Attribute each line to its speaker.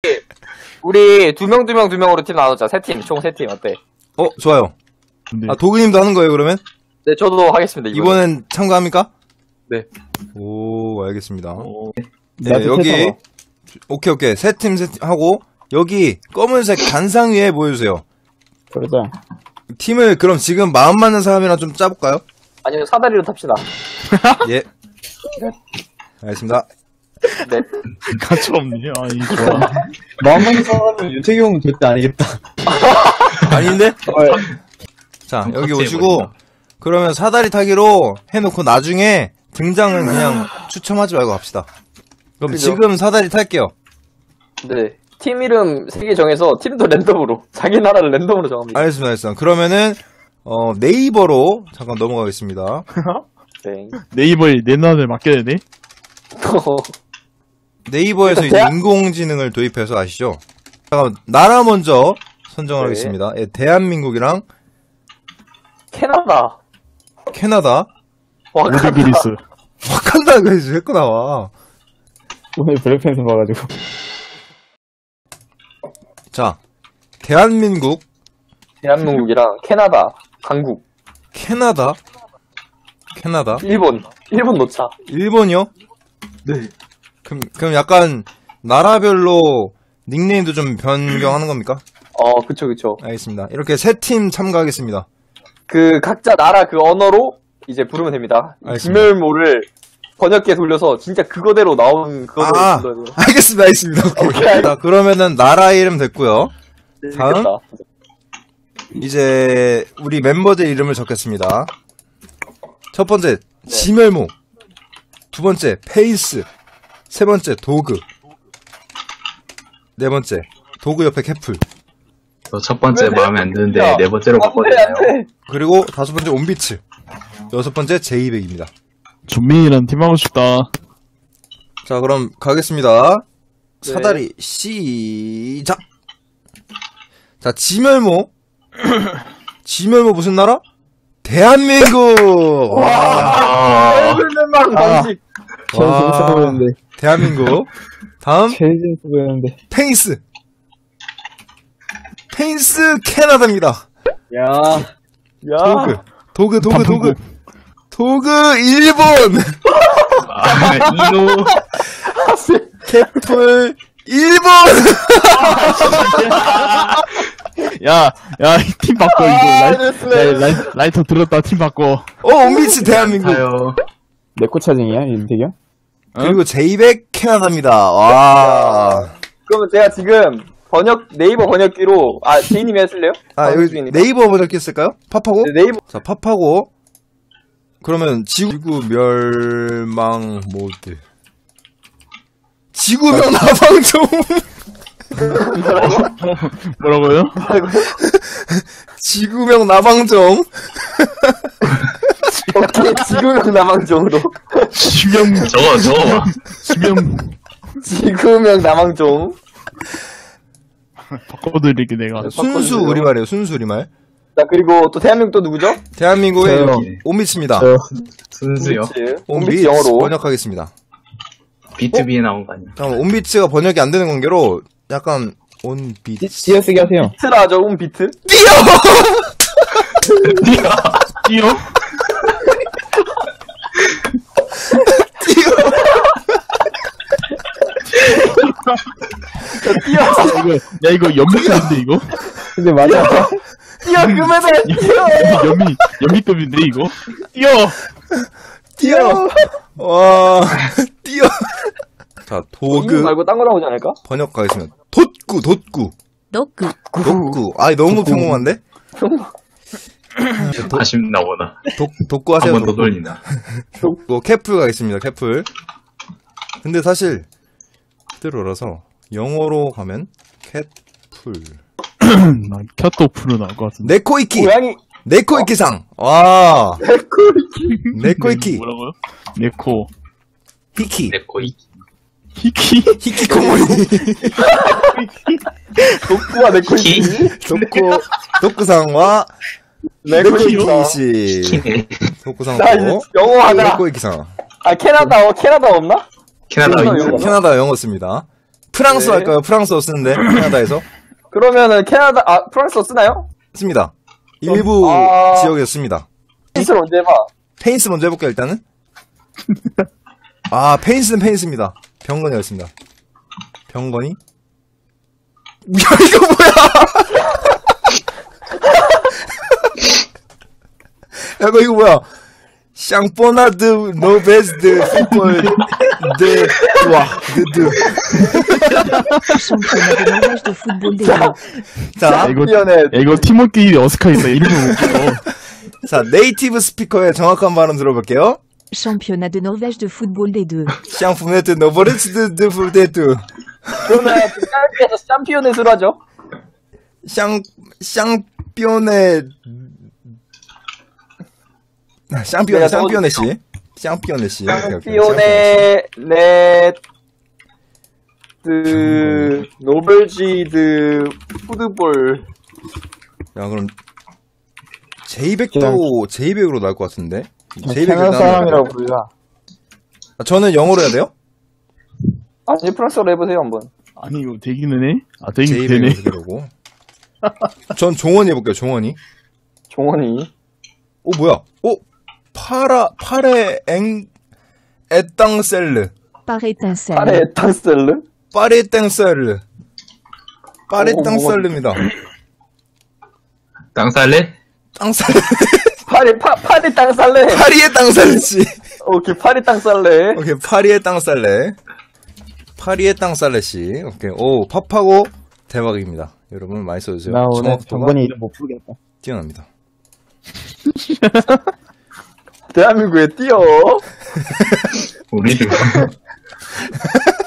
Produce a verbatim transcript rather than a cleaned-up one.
Speaker 1: 우리 두 명 두 명 두 명으로 팀 나누자. 세 팀, 총 세 팀 어때?
Speaker 2: 어, 좋아요.
Speaker 3: 근데
Speaker 2: 아, 도그님도 하는 거예요, 그러면?
Speaker 1: 네, 저도 하겠습니다. 이번엔,
Speaker 2: 이번엔 참가합니까?
Speaker 1: 네.
Speaker 2: 오, 알겠습니다.
Speaker 3: 어,
Speaker 2: 네, 여기. 오케이, 오케이. 세 팀, 세 팀 하고, 여기 검은색 단상 위에 모여주세요.
Speaker 4: 그러자.
Speaker 2: 팀을 그럼 지금 마음 맞는 사람이랑 좀 짜볼까요?
Speaker 1: 아니면 사다리로 탑시다.
Speaker 2: 예. 알겠습니다.
Speaker 1: 네.
Speaker 3: 가차없네. 아, 이 좋아.
Speaker 4: 마음만 사람은 윤택이 형은 절대 아니겠다.
Speaker 2: 아닌데? 자, 여기 오시고, 그러면 사다리 타기로 해놓고 나중에 등장은 그냥 추첨하지 말고 합시다. 그럼
Speaker 1: 그죠?
Speaker 2: 지금 사다리 탈게요.
Speaker 1: 네. 팀 이름 세 개 정해서 팀도 랜덤으로 자기 나라를 랜덤으로 정합니다.
Speaker 2: 알겠습니다, 알겠습니다. 그러면은 어, 네이버로 잠깐 넘어가겠습니다.
Speaker 1: 네.
Speaker 3: 네이버에 내 나라를 맡겨야 되네?
Speaker 2: 네이버에서 이제
Speaker 1: 대한-
Speaker 2: 인공지능을 도입해서 아시죠? 잠깐 나라 먼저 선정을
Speaker 1: 네.
Speaker 2: 하겠습니다. 예, 대한민국이랑
Speaker 1: 캐나다.
Speaker 2: 캐나다,
Speaker 1: 와칸다.
Speaker 3: 오드그리스.
Speaker 2: 와칸다가 이제 자꾸 나와.
Speaker 4: 오늘 블랙팬서 봐가지고.
Speaker 2: 자, 대한민국,
Speaker 1: 대한민국이랑 캐나다, 강국,
Speaker 2: 캐나다, 캐나다,
Speaker 1: 일본. 일본 놓자.
Speaker 2: 일본이요?
Speaker 1: 네.
Speaker 2: 그럼, 그럼 약간 나라별로 닉네임도 좀 변경하는 겁니까?
Speaker 1: 어, 그쵸, 그쵸.
Speaker 2: 알겠습니다. 이렇게 세 팀 참가하겠습니다.
Speaker 1: 그 각자 나라 그 언어로 이제 부르면 됩니다.
Speaker 2: 알겠습니다.
Speaker 1: 김멸모를 번역기에 돌려서 진짜 그거대로 나온 그거대로
Speaker 2: 아,
Speaker 1: 불러야 돼요.
Speaker 2: 알겠습니다, 알겠습니다. 오케이.
Speaker 1: 오케이.
Speaker 2: 자, 그러면은 나라 이름 됐고요. 다음.
Speaker 1: 재밌겠다.
Speaker 2: 이제 우리 멤버들 이름을 적겠습니다. 첫 번째 지멸모, 두 번째 페이스, 세 번째 도그, 네 번째 도그 옆에 캐플,
Speaker 5: 저 첫 번째
Speaker 1: 왜
Speaker 5: 마음에 안 드는데
Speaker 1: 야,
Speaker 5: 네 번째로
Speaker 1: 안 돼,
Speaker 5: 바꿔야
Speaker 1: 안
Speaker 5: 되나요?
Speaker 1: 돼.
Speaker 2: 그리고 다섯 번째 온비츠, 여섯 번째 제이백입니다.
Speaker 3: 준민이랑 팀하고 싶다.
Speaker 2: 자, 그럼 가겠습니다.
Speaker 1: 네.
Speaker 2: 사다리 시작. 자, 지멸모. 지멸모 무슨 나라? 대한민국. 와.
Speaker 1: 헬멧망
Speaker 4: 아.
Speaker 1: 방식.
Speaker 4: 제일 재밌어 보였는데.
Speaker 2: 대한민국. 다음
Speaker 4: 제일 재밌어 보였는데.
Speaker 2: 페이스. 페이스 캐나다입니다.
Speaker 4: 야.
Speaker 1: 야.
Speaker 2: 도그. 도그 도그 도그.
Speaker 3: 단풍국.
Speaker 2: 도그 일본.
Speaker 5: 아, 이노.
Speaker 2: 캐플 일본.
Speaker 3: 야, 야, 이 팀 바꿔, 이거.
Speaker 1: 아,
Speaker 3: 라이,
Speaker 1: 됐어요.
Speaker 3: 야, 라이, 라이터 들었다, 팀 바꿔.
Speaker 2: 어, 온비치 대한민국.
Speaker 5: 아요.
Speaker 4: 내코 차징이야, 윤택이 형?
Speaker 2: 그리고 제이백 캐나다입니다. 와.
Speaker 1: 그러면 제가 지금 번역 네이버 번역기로 아 제이님이 하실래요?
Speaker 2: 아, 여기
Speaker 1: 중이니까.
Speaker 2: 네이버 번역기 쓸까요? 팝하고?
Speaker 1: 네, 네이버
Speaker 2: 자, 팝하고. 그러면 지구 멸망 모드. 지구명 나방종.
Speaker 3: 뭐라고요?
Speaker 2: 지구명 나방종.
Speaker 1: 오케이 지구명 남왕종으로
Speaker 3: 지명,
Speaker 5: 저거, 저거.
Speaker 3: 지명,
Speaker 1: 지구명 남왕종.
Speaker 3: 바꿔드릴게, 내가.
Speaker 2: 순수
Speaker 1: 바꿔주세요.
Speaker 2: 우리말이에요. 순수 우리말.
Speaker 1: 자 그리고 또 대한민국 또 누구죠?
Speaker 2: 대한민국의
Speaker 4: 저요.
Speaker 2: 온미츠입니다.
Speaker 4: 저,
Speaker 5: 순수요.
Speaker 1: 온비츠.
Speaker 2: 온비츠
Speaker 1: 온비츠 영어로.
Speaker 2: 번역하겠습니다.
Speaker 5: 비투비에 나온 거 아니야?
Speaker 2: 잠깐만, 온비츠가 번역이 안 되는 관계로 약간 온비츠.
Speaker 4: 띄어쓰기 하세요.
Speaker 1: 비트라 하죠 온비트.
Speaker 2: 뛰어!
Speaker 3: 띄어?
Speaker 1: 뛰어
Speaker 3: 야, 이거, 야, 이거 연미급인데, 이거?
Speaker 4: 근데 맞아.
Speaker 1: 뛰어 금메달 뛰어.
Speaker 3: 연미, 연미급인데, 이거? 띄어!
Speaker 2: 뛰어! 와, 뛰어! 자,
Speaker 1: 이거
Speaker 2: 도그
Speaker 1: 말고 딴 거 나오지 않을까?
Speaker 2: 번역 가겠습니다. 돋구, 돋구.
Speaker 6: 노크
Speaker 2: 돋구. 아, 너무 평범한데?
Speaker 5: 아쉽나 보다.
Speaker 2: 독, 돋구 하세요.
Speaker 5: 한 번 더
Speaker 2: 돋구.
Speaker 5: 돌리나.
Speaker 2: 돋구. 캐플 가겠습니다, 캐플. 근데 사실, 그대로라서, 영어로 가면, 캣풀.
Speaker 3: 나 캬토프로 나올 것 같은데.
Speaker 2: 네코이키!
Speaker 1: 고양이
Speaker 2: 네코이키상! 와, 네코이키.
Speaker 3: 뭐라고요? 네코.
Speaker 2: 히키.
Speaker 5: 내 코이.
Speaker 3: 히키?
Speaker 2: 히키코모리.
Speaker 1: 독구와 네코이키.
Speaker 2: 돋구, 돋구상과,
Speaker 1: 네코이키.
Speaker 2: 히키씨.
Speaker 5: 키네.
Speaker 1: 나 이제
Speaker 2: 돋구상하고,
Speaker 1: 영어 하나.
Speaker 2: 네코이키상.
Speaker 1: 아 캐나다 어 캐나다 없나?
Speaker 5: 캐나다
Speaker 1: 캐나다
Speaker 5: 있어.
Speaker 1: 영어.
Speaker 2: 캐나다 영어 씁니다. 프랑스
Speaker 1: 네.
Speaker 2: 할까요? 프랑스어 쓰는데, 캐나다에서.
Speaker 1: 그러면은 캐나다, 아, 프랑스어 쓰나요?
Speaker 2: 씁니다. 일부
Speaker 1: 아.
Speaker 2: 지역에서 씁니다.
Speaker 1: 페인스를 언제 해봐?
Speaker 2: 페인스 먼저 해볼게요, 일단은. 아, 페인스는 페인스입니다. 병건이었습니다. 병건이? 야, 이거 뭐야! 야, 이거, 이거 뭐야! 샹포나드 노베스드 풋볼 드 와, 드드.
Speaker 6: Championnat de Norvège de football des deux.
Speaker 2: 자,
Speaker 3: 이거,
Speaker 1: 챔피언의
Speaker 3: 야, 이거 팀원끼리 어색하겠다. 이름을 못 불러.
Speaker 2: 자, 네이티브 스피커의 정확한 발음 들어볼게요.
Speaker 6: Championnat de Norvège de football des deux.
Speaker 2: 샹포네드 노베스드 드 풋데드.
Speaker 1: 그러면 좀 짧게 해서 챔피언넷으로 하죠.
Speaker 2: 샹, 샹피오네, 샹피오네,
Speaker 1: 내가
Speaker 2: 샹피오네 씨. 샹피오네 씨. 오케이, 오케이.
Speaker 1: 챔피언의 넷, 드, 노벨지드, 푸드볼.
Speaker 2: 야, 그럼, 제이백도, 제이백으로 나올 것 같은데? 제이백
Speaker 4: 캐나다 사람이라고 부르자.
Speaker 2: 저는 영어로 해야 돼요?
Speaker 1: 아니, 프랑스어로 해보세요, 한번.
Speaker 3: 아니, 이거 되기는 해? 아, 되긴 되네.
Speaker 2: 제이백으로 그대로고. 전 종원이 해볼게요, 종원이.
Speaker 1: 종원이.
Speaker 2: 오, 뭐야? 오, 파라, 파레, 엥, 에땅셀르.
Speaker 6: Par étincelle.
Speaker 1: 파레 에탄셀르?
Speaker 2: 파레 땡셀르. 파레
Speaker 1: 오,
Speaker 2: 땅셀르입니다.
Speaker 5: 땅 살래?
Speaker 2: 땅셀르.
Speaker 1: 파리, 파, 파리 땅살레.
Speaker 2: 파리의 땅셀르 씨.
Speaker 1: 오케이, 파리 땅살레.
Speaker 2: 오케이, 파리의 땅살레. 파리의 땅살레 씨. 오케이, 오, 팝하고 대박입니다. 여러분 많이 써주세요.
Speaker 4: 나 오늘
Speaker 2: 정확도가
Speaker 4: 정건이 이름 못 부르겠다.
Speaker 2: 뛰어납니다.
Speaker 1: 대한민국에 뛰어.
Speaker 5: 우리도.